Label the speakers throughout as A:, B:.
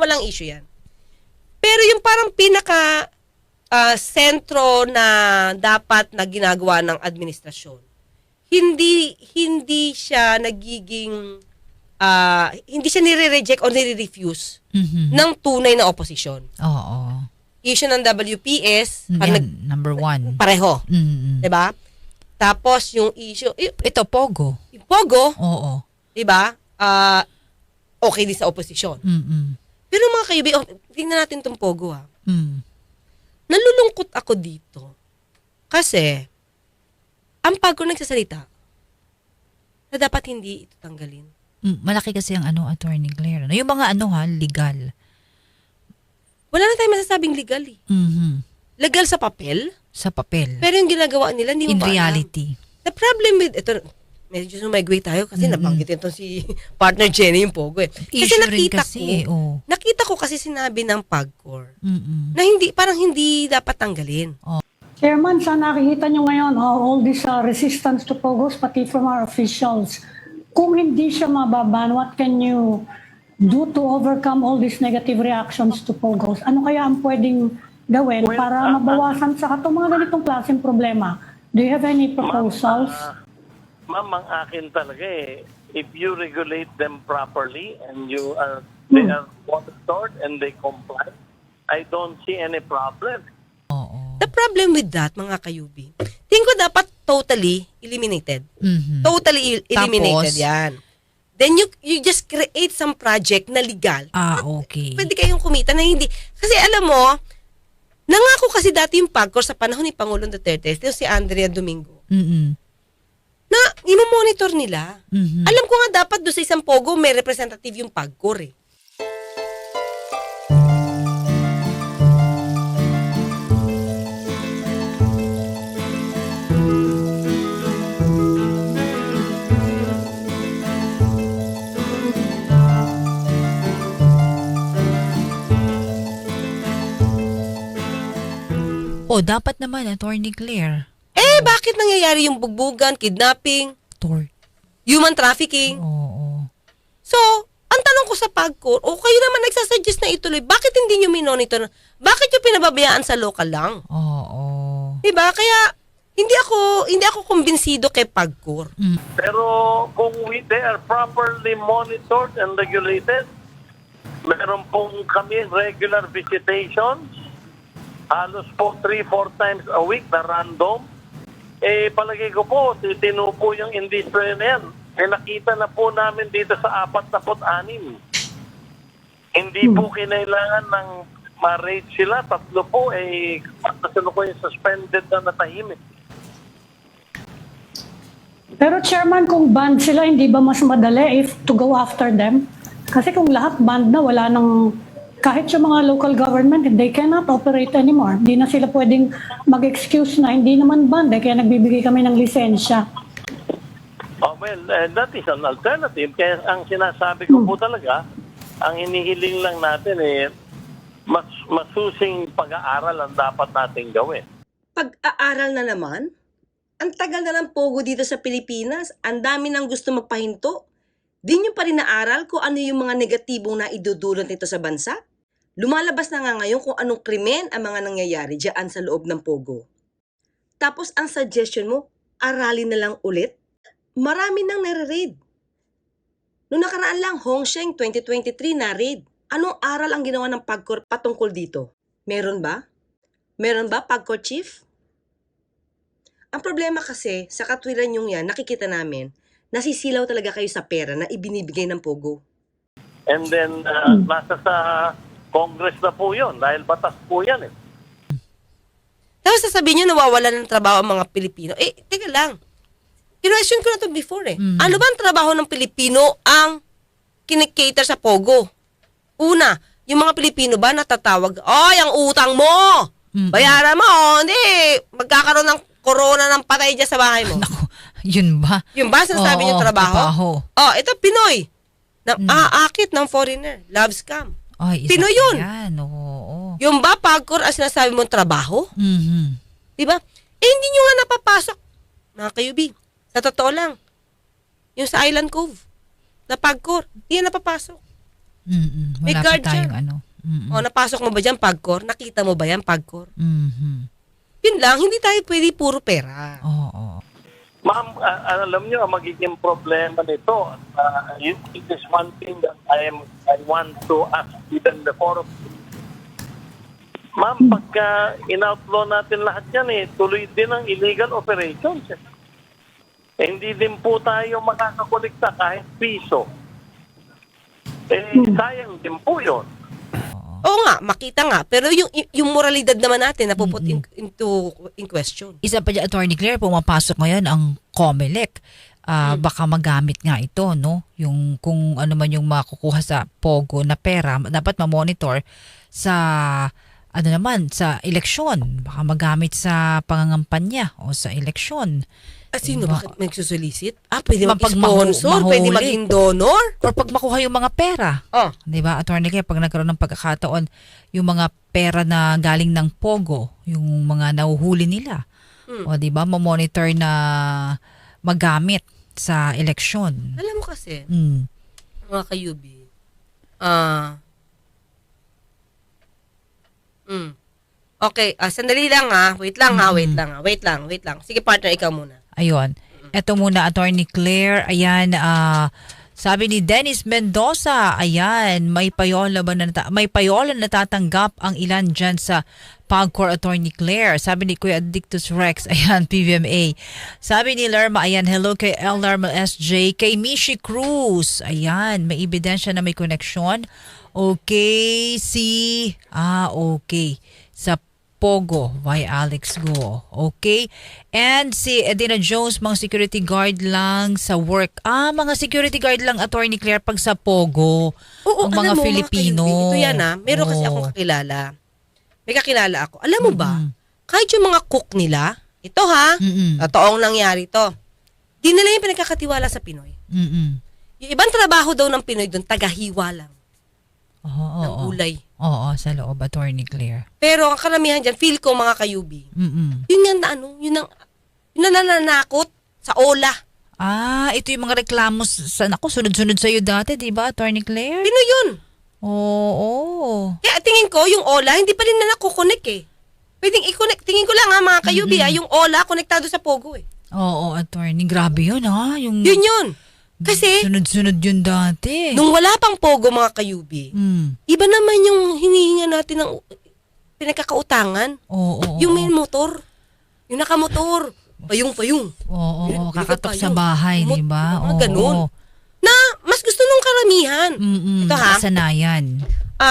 A: walang issue yan. Pero yung parang pinaka sentro na dapat na ginagawa ng administrasyon, hindi siya nagiging hindi siya nire-reject o nire-refuse ng tunay na opposition.
B: Oo.
A: Issue ng WPS,
B: number 1.
A: Pareho. 'Di ba? Tapos yung issue,
B: ito Pogo.
A: Yung Pogo,
B: Oo.
A: 'di ba? Okay din sa opposition. Pero mga kaibigan, tingnan natin tong Pogo Nalulungkot ako dito. Kasi ang Pogo nagsasalita na dapat hindi ito tanggalin.
B: Malaki kasi ang Attorney Claire. Yung mga legal.
A: Wala na tayong masasabing legal eh. Legal sa papel.
B: Sa papel.
A: Pero yung ginagawa nila, hindi mo
B: in reality.
A: The problem with, ito, medyo sumagway tayo kasi nabanggitin itong si partner Jenny yung Pogo eh. Kasi nakita ko kasi sinabi ng PAGCOR na parang hindi dapat tanggalin.
C: Chairman, sa nakikita nyo ngayon, all this resistance to Pogos, pati from our officials, kung hindi siya mababan, what can you do to overcome all these negative reactions to Pogos? Ano kaya ang pwedeng gawin para mabawasan sa itong mga ganitong klaseng problema? Do you have any proposals?
D: Ma'am, ang akin talaga if you regulate them properly and they are monitored and they comply, I don't see any problem.
A: The problem with that, mga kayubi, tingin ko dapat totally eliminated. Totally eliminated.
B: Tapos,
A: yan. Then you just create some project na legal.
B: Okay.
A: Pwede kayong kumita na hindi. Kasi alam mo, nangako kasi dati yung PAGCOR sa panahon ni Pangulong Duterte, ito si Andrea Domingo, na imo-monitor nila. Alam ko nga dapat doon sa isang Pogo may representative yung PAGCOR eh.
B: Dapat naman, Attorney Claire.
A: Bakit nangyayari yung bugbugan, kidnapping, human trafficking? So, ang tanong ko sa PAGCOR, kayo naman nagsasuggest na ituloy, bakit hindi nyo minonitor? Bakit nyo pinababayaan sa local lang? Diba? Kaya, hindi ako kumbinsido kay PAGCOR.
D: Pero kung they are properly monitored and regulated, meron pong kami regular visitations, halos po 3-4 times a week na random. Palagay ko po, tinupo yung industry na yan. Nakita na po namin dito sa 46. Hindi po kinailangan ng ma-rate sila. 3 po, kasunod ko yung suspended na natahimik.
C: Pero Chairman, kung banned sila, hindi ba mas madali to go after them? Kasi kung lahat banned na, wala nang... Kahit yung mga local government, they cannot operate anymore. Hindi na sila pwedeng mag-excuse na hindi naman banned, kaya nagbibigay kami ng lisensya.
D: That is an alternative. Kaya ang sinasabi ko po talaga, ang hinihiling lang natin masusing pag-aaral ang dapat natin gawin.
A: Pag-aaral na naman? Ang tagal na ng Pogo dito sa Pilipinas. Ang dami nang gusto magpahinto. Di nyo pa rin naaral kung ano yung mga negatibong na idudulot nito sa bansa? Lumalabas na nga ngayon kung anong krimen ang mga nangyayari dyan sa loob ng Pogo. Tapos ang suggestion mo, aralin na lang ulit? Marami nang nare-raid. Noong nakaraan lang, Hongsheng 2023 na-raid. Anong aral ang ginawa ng PAGCOR patungkol dito? Meron ba? Meron ba, PAGCOR Chief? Ang problema kasi, sa katwiran yung yan, nakikita namin, nasisilaw talaga kayo sa pera na ibinibigay ng Pogo.
D: And then, nasa sa Congress na po yun, dahil batas po yan
A: Tapos sasabihin nyo, nawawala ng trabaho ang mga Pilipino. Teka lang. Kinwestiyon ko na ito before Ano ba ang trabaho ng Pilipino ang kinikater sa Pogo? Una, yung mga Pilipino ba natatawag, ang utang mo! Bayaran mo! Hindi! Magkakaroon ng corona ng patay dyan sa bahay mo.
B: Yun ba?
A: Yung ba sinasabi niyo trabaho? Ito Pinoy. Aakit ng foreigner. Love scam. Pinoy yun. Yung ba PAGCOR ang sinasabi mong trabaho? Diba? Hindi nyo nga napapasok. Mga kayubi, sa totoo lang, yung sa Island Cove, na PAGCOR, hindi yan napapasok. May
B: Wala pa
A: guard
B: tayong
A: siya.
B: ano.
A: O, napasok mo ba dyan, Pagcor? Nakita mo ba yan, Pagcor?
B: Mhm.
A: Yun lang, hindi tayo pwede puro pera.
B: Oo.
D: Ma'am, alam niyo, ang magiging problema nito, it is one thing that I want to ask even the forum. Ma'am, pagka in-outlaw natin lahat yan, tuloy din ang illegal operations. Hindi din po tayo makakakolekta kahit piso. Sayang din po yun.
A: Oo nga, makita nga. Pero yung moralidad naman natin napuput in question.
B: Isa pa dyan, Attorney Claire, pumapasok ngayon ang COMELEC. Baka magamit nga ito, no? Yung kung ano man yung makukuha sa POGO na pera, dapat ma-monitor sa ano naman, sa eleksyon. Baka magamit sa pangangampanya o sa eleksyon.
A: Sino
B: Diba?
A: bakit magsusolicit? Pwede
B: Pag
A: mag-sponsor, pwede
B: mahuli.
A: maging donor.
B: Or pag makuha yung mga pera.
A: Oh.
B: 'Di ba, Attorney Claire, pag nagkaroon ng pagkakataon, yung mga pera na galing ng POGO, yung mga nahuhuli nila. O 'di ba, ma-monitor na magamit sa eleksyon.
A: Alam mo kasi,
B: Mm.
A: mga kayubi, Okay, sandali lang Wait lang. Sige partner, ikaw muna.
B: Ayun. Ito muna, Attorney Claire. Ayan, sabi ni Dennis Mendoza, ayan, may payola natatanggap ang ilan dyan sa Pagcor, Attorney Claire. Sabi ni Kuya Addictus Rex, ayan, PVMA. Sabi ni Lerma, ayan, hello kay L. Lerma SJ, kay Mishi Cruz. Ayan, may ebidensya na may koneksyon. Okay, okay. Sa Pogo by Alex Go. Okay? And si Edina Jones, mga security guard lang sa work. Mga security guard lang, Attorney Claire, pag sa Pogo.
A: Oo,
B: ang mga
A: alam mo,
B: Filipino.
A: Mga kayubi, ito yan meron kasi akong kakilala. May kakilala ako. Alam mo ba, kahit yung mga cook nila, ito totoong nangyari to, di nila yung pinagkakatiwala sa Pinoy. Yung ibang trabaho daw ng Pinoy doon, tagahiwa lang ng gulay.
B: Oo, sa loob, Attorney Claire.
A: Pero ang karamihan dyan, feel ko mga kayubi, yun nga na yun ang nananakot sa ola.
B: Ito yung mga reklamo sa, sunod-sunod sa'yo dati, di ba, Attorney Claire?
A: Pinoy yun.
B: Oo.
A: Kaya tingin ko, yung ola, hindi pa rin na nakukonek Pwedeng i-connect, tingin ko lang mga kayubi yung ola, konektado sa Pogo
B: Oo, Attorney. Grabe yun
A: Yun yun. Kasi,
B: sunod-sunod yun dati.
A: nung wala pang Pogo mga kayubi, iba naman yung hinihinga natin ng pinagkakautangan. Yung may motor, yung nakamotor, payung-payung.
B: Oo, kakatok sa bahay, di ba?
A: Mga ganun. Na mas gusto nung karamihan. Ito
B: Kasanayan.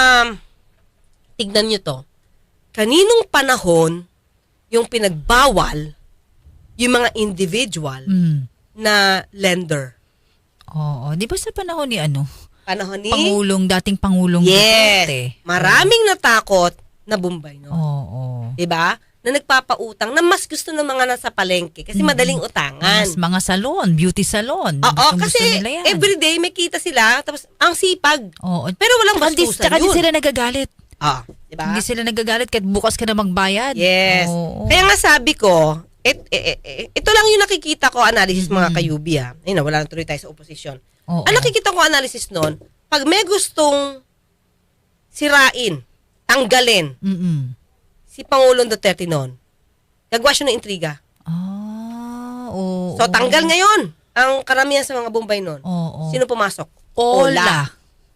A: Tignan nyo to. Kaninong panahon yung pinagbawal yung mga individual na lender?
B: Oo. Di ba sa panahon ni
A: Panahon ni?
B: dating Pangulong Duterte.
A: Maraming natakot na Bombay, no?
B: Oo.
A: Diba? Na nagpapautang na mas gusto ng mga nasa palengke kasi madaling utangan.
B: Mas mga salon, beauty salon.
A: Oo,
B: Gustong-gusto
A: kasi
B: nila yan.
A: everyday may kita sila tapos ang sipag.
B: Oo.
A: Pero walang bastusan
B: Tsaka di
A: yun.
B: sila nagagalit.
A: Diba?
B: Hindi sila nagagalit kahit bukas ka na magbayad.
A: Yes.
B: Oo.
A: Kaya nga sabi ko, ito lang yung nakikita ko analysis mga kayubi Ayun na, wala na tuloy tayo sa oposisyon.
B: Oo.
A: Ang nakikita ko analysis nun, pag may gustong sirain, tanggalin, si Pangulong Duterte noon, gagawa siya ng intriga.
B: Oo.
A: So, tanggal ngayon ang karamihan sa mga Bombay noon.
B: Oo.
A: Sino pumasok?
B: Ola.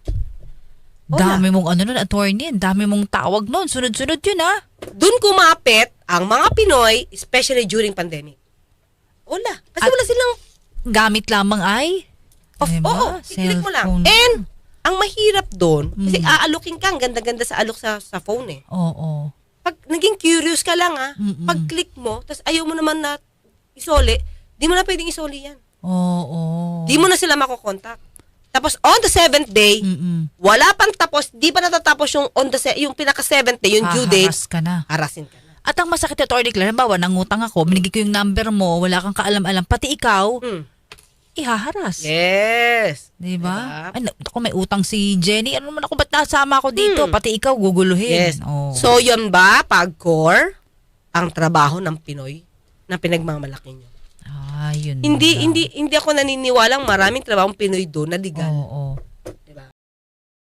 B: Dami mong attorney, dami mong tawag noon. Sunod-sunod yun
A: Doon kumapit ang mga Pinoy, especially during pandemic. Ola. Kasi wala silang
B: Gamit lamang ay?
A: Oo, i-click mo lang. And, ang mahirap doon, kasi aalukin ka, ang ganda-ganda sa alok sa phone
B: Oo.
A: Pag naging curious ka lang pag click mo, tapos ayaw mo naman na isoli, di mo na pwedeng isoli yan.
B: Oo.
A: Di mo na sila makokontak. Tapos on the 7th day, wala pang tapos, di pa natatapos yung pinaka 7th day, yung due date,
B: Haras ka na.
A: harasin ka na.
B: At ang masakit na Attorney Claire, halimbawa, nangutang ako, binigay ko yung number mo, wala kang kaalam-alam, pati ikaw, ihaharas.
A: Yes.
B: Diba? Ay, ako may utang si Jenny. Ano naman ako, ba't nasama ako dito? Pati ikaw, guguluhin.
A: Yes.
B: Oh.
A: So, yun ba, Pagcor, ang trabaho ng Pinoy na pinagmamalaki nyo?
B: Yun.
A: Hindi ako naniniwalang maraming trabahong Pinoy doon na legal.
B: Oo.